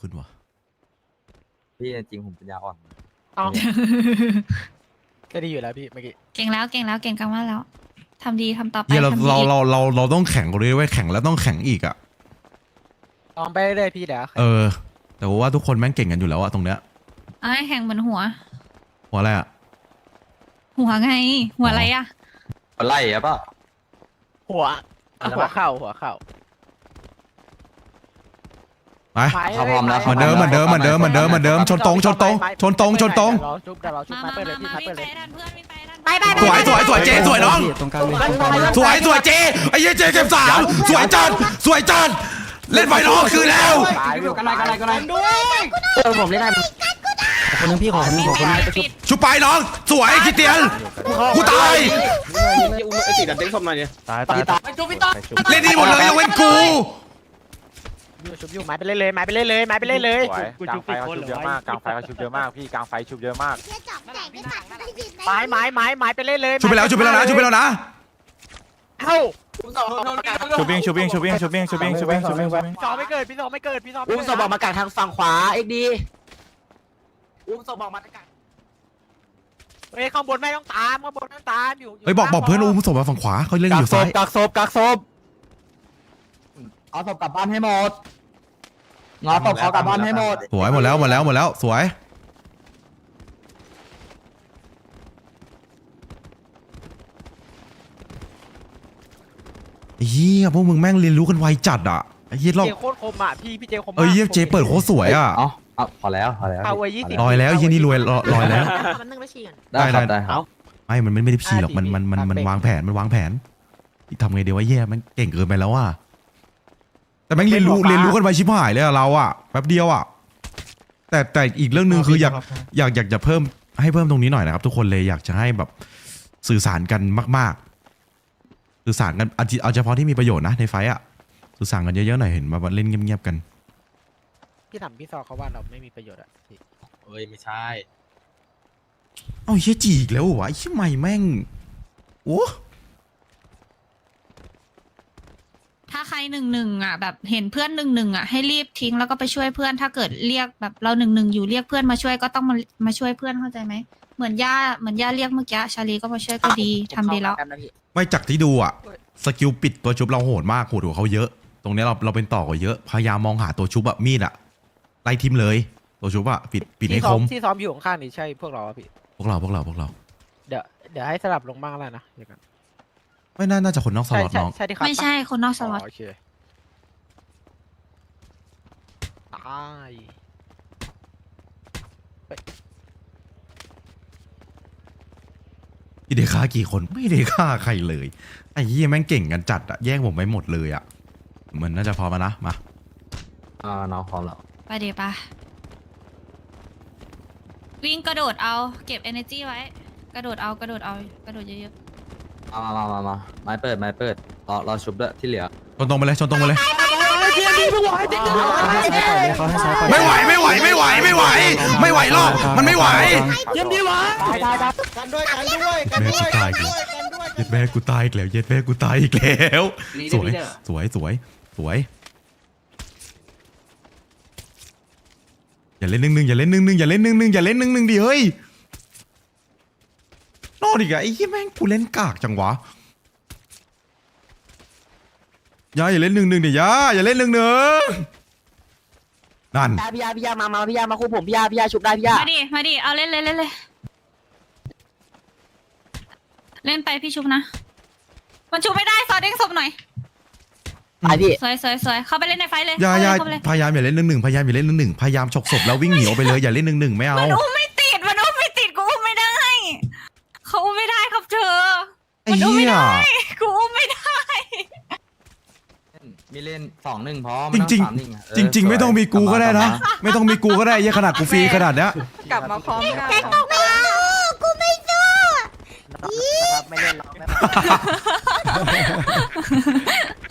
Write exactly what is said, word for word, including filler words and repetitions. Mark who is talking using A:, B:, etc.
A: ขึ้นวะ
B: พี่จริงผมปัญญาอ่อน
C: เอาก็ดีอยู่แล้วพี่เมื่อกี้
D: เก่งแล้วเก่งแล้วเก่งกันมากแล้วทำดีทำต่อไป
A: เฮียเรา
D: ทำดี
A: เรา
D: อีก
A: เราเราเราต้องแข่งกันด้วยเว้ยแข่งแล้วต้องแข่งอีกอ่ะ
C: ลองไปเรื่อยๆพี่เดี๋ยว
A: เออ แต่ว่าทุกคนแม่งเก่งกันอยู่แล้วอะตรงเนี้ย
D: เอาให้แข่งเหมือนหัว
A: หัวอะไรอะ
D: หัวไง หัวอะไรอะ
B: ไล่อะป่ะ
C: หัวหัวเข่าหัวเข่า
A: ไป
B: เขาพร้อมแล้ว
A: เหมือนเดิมเหมือนเดิมเหมือนเดิมเหมือนเดิมเหมือนเดิมชนตรงชนตรงชนตรงชนตรง
C: รอจุ๊บเดี๋ยวรอจุ๊บ
D: มา
C: มา
D: มา
C: เปิดเลย
D: มา
C: พี่
D: มา
C: มา
D: วิ่ง
C: เปิด
D: ไป
C: เลย
D: ทันเพื่อนวิ่งไปทันไปไป
A: สวยสวยสวยเจสวยน้อง
E: ตรงกลางเลย
A: สวยสวยเจไอ้เหี้ยเจเก็บสามสวยจัดสวยจัดเล่นไฟนอลคืนแล้ว
C: ตายวิว
B: กันไหนกันไหนกันไหน
E: เออผมเล่นได้คนนึงพี่ขอคนนึงขอคนนึง
D: ปิด
A: ชุบไปน้องสวยคิดเตียนกูตาย
F: ไอ้ตีดันเต้นส้มหน่อยเนี่ย
C: ตายตายตาย
A: เล่นดีหมดเลยยกเว้นกู
C: ชุบอยู่ไม้ไปเล่นเลยไม้ไปเล่นเลยไม้ไปเล่นเลย
G: กลางไฟเขาชุบเยอะมากกลางไฟเขาชุบเยอะมากพี่กลางไฟชุบเยอะมาก
C: ไม้ไม้ไม้ไม้ไปเล่นเลย
A: ชุบไปแล้วชุบไปแล้วนะชุบไปแล้วนะ
C: เอ้า
G: ชูบิ้งชูบิ้งชูบิ้งชูบิ้งชูบิ้งชูบิ้งชูบิ้งชูบิ้ง
C: พี่สองไม่เกิดพี่สองไม่เกิดพี่สอง
E: อุ้มศพออกมากางทางฝั่งขวาเอ็กดีอุ้มศพออกมากาง
C: เฮ้ยข้างบนไม่ต้องตามข้างบนไม่ต้องตามอยู่
A: เฮ้ยบอกบอกเพื่อนอุ้มศพมาฝั่งขวาเขาเล่นอยู่ซ้าย
E: กักศพกักศพเอาศพกลับบ้านให้หมดงอศพเขากลับบ้านให้หมด
A: สวยหมดแล้วหมดแล้วหมดแล้วสวยเฮียพวกมึงแม่งเรียนรู้กันไวจัดอ่ะไอ้เฮียรอบ
C: เจโคตรคมอ่ะพี่พี่เจคมมาก
A: เอ้ยเฮียเจเปิดโคตรสวยอ่ะ
B: เอ้าเอาพอแล้วพอแล้ว
C: เอาไว้ยี่สิบ
A: ลอยแล้วเฮียนี่รวยลอยแล้ว
D: มันนึ่งไปฉี่กัน
B: ได้ครับได้ครับ
A: ไม่มันไม่ได้พีหรอกมันมันมันมันวางแผนมันวางแผนทำไงเดี๋ยวว่าแย่มันเก่งเกินไปแล้วอ่ะแต่แม่งเรียนรู้เรียนรู้กันไวชิบหายเลยอะเราอ่ะแป๊บเดียวอ่ะแต่แต่อีกเรื่องหนึ่งคืออยากอยากอยากจะเพิ่มให้เพิ่มตรงนี้หน่อยนะครับทุกคนเลยอยากจะให้แบบสื่อสารกันมากๆสื่อสารกันเอาเอาเฉพาะที่มีประโยชน์นะในไฟอ่ะสื่อสารกันเยอะๆหน่อยเห็นมาเล่นเงียบๆกัน
C: พี่ถามพี่ซอเขาว่าเราไม่มีประโยชน์อ่ะพี่
B: เอ้ยไม่ใช่
A: เอ้าเฮียจีอีกแล้วเหรอวะไอ้เฮียใหม่แม่งโอ้
D: ถ้าใครหนึ่งหนึ่งอ่ะแบบเห็นเพื่อนหนึ่งหนึ่งอ่ะให้รีบทิ้งแล้วก็ไปช่วยเพื่อนถ้าเกิดเรียกแบบเราหนึ่งหนึ่งอยู่เรียกเพื่อนมาช่วยก็ต้องมามาช่วยเพื่อนเข้าใจไหมเหมือนย่าเหมือนย่าเรียกเมื่อกี้ชาลีก็มาช่วยก็ดีทำดีแล้ว
A: ไม่จากที่ดูอ่ะสกิลปิดตัวชุบเราโหดมากโหดกว่าเขาเยอะ ตรงเนี้ยเราเราเป็นต่อกว่าเยอะพยายามมองหาตัวชุบอะมีดอะไล่ทิมเลยตัวชุบอะปิดปิดให้
C: ที่
A: ค
C: ซ้อ
A: ม
C: ที่ซ้อมอยู่ข้างๆนี่ใช่พวกเราอะพี่
A: พวกเราพวกเราพวกเรา
C: เดี๋ยวเดี๋ยวให้สลับลงบ้างแล้วนะเดี๋ยวกัน
A: ไม่น่าน่าจะคนนอกส
C: ใช่
A: ล็อต
C: ใช่
A: น้อง
C: ใช่ที่คัด
D: ไม่ใช่คนนอกสล็อต
C: โอเคตาย
A: พี่เดฆ่ากี่คนไม่ได้ฆ่าใครเลยไอ้เหี้ยแม่งเก่งกันจัดอะแย่งผมไปหมดเลยอะเหมือนน่าจะพอมานะมา
B: อ่าน้องพร้อมแล้ว
D: ไปเดี๋ยวปะวิ่งกระโดดเอาเก็บ energy ไว้ กระโดดเอากระโดดเอากระโดดเยอะ
B: มามามามาไม้เปิดไม้เปิดรอรอชุบด้วยที่เหลือ
A: ชนตรงไปเลยชนตรงไปเลย
E: เขาให้ซ้ายก่อน
A: ไม่ไหวไม่ไหวไม่ไหวไม่ไหว ไม่ไหวหรอกมันไม่ไหว
E: เยี่ยมดีวะ
A: แม่กูตายอีกแล้วเย็ดแม่กูตายอีกแล้วเย็ดแม่กูตายอีกแล้ว สวยสวยสวยสวยอย่าเล่นหนึ่งหนึ่งอย่าเล่นหนึ่งหนึ่งอย่าเล่นหนึ่งหนึ่งอย่าเล่นหนึ่งหนึ่งดิเฮ้ยนอนอีกอะไอ้ยี่แม่งกูเล่นกากจังวะอย่าอย่าเล่นหนึ่งหนึ่งดิอย่าอย่าเล่นหนึ่งหนึ่งนั่น
E: พี่ยาพี่ยามามาพี่ยามาคู่ผมพี่ยาพี่ยาชุบได้พี่ยา
D: ๆมาดิมาดิเอาเล่นเลยเล่นเลยเล่นไปพี่ชุบนะมันชุบไม่ได้ซอเด้งศพหน่อย
E: ไปพี่
D: สวยสวยสวยเข้าไปเล่นในไฟเลย
A: อย่าอย่า
D: เข้าไปเลย
A: พยายามอย่าเล่นหนึ่งหนึ่งพยายามอย่าเล่นหนึ่งหนึ่งพยายามฉกศพแล้ววิ่งหนีออกไปเลยอย่าเล่นหนึ่งหนึ่งไม่เอา
D: มันอุ้มไม่ติดมันอุ้มไม่ติดกูอุ้มไม่ได้เขาอุ้มไม่ได้ครับเธอ
A: ไอ้เหี้ย
D: กูอุ้มไม่ได้
B: มีเล่นสองหนึ่งพร้อม
A: จริง
B: สามหนึ่อะเออ
A: จริงจริง ๆ ไม่ต้องมีกูก็ได้นะ ไม่ต้องมีกูก็ได้เหี้ยขนาดกูฟรีขนาดเนี้ย
H: กลับมาพร้อมกัน
C: นะครับไม่เล่นหรอกนะครับ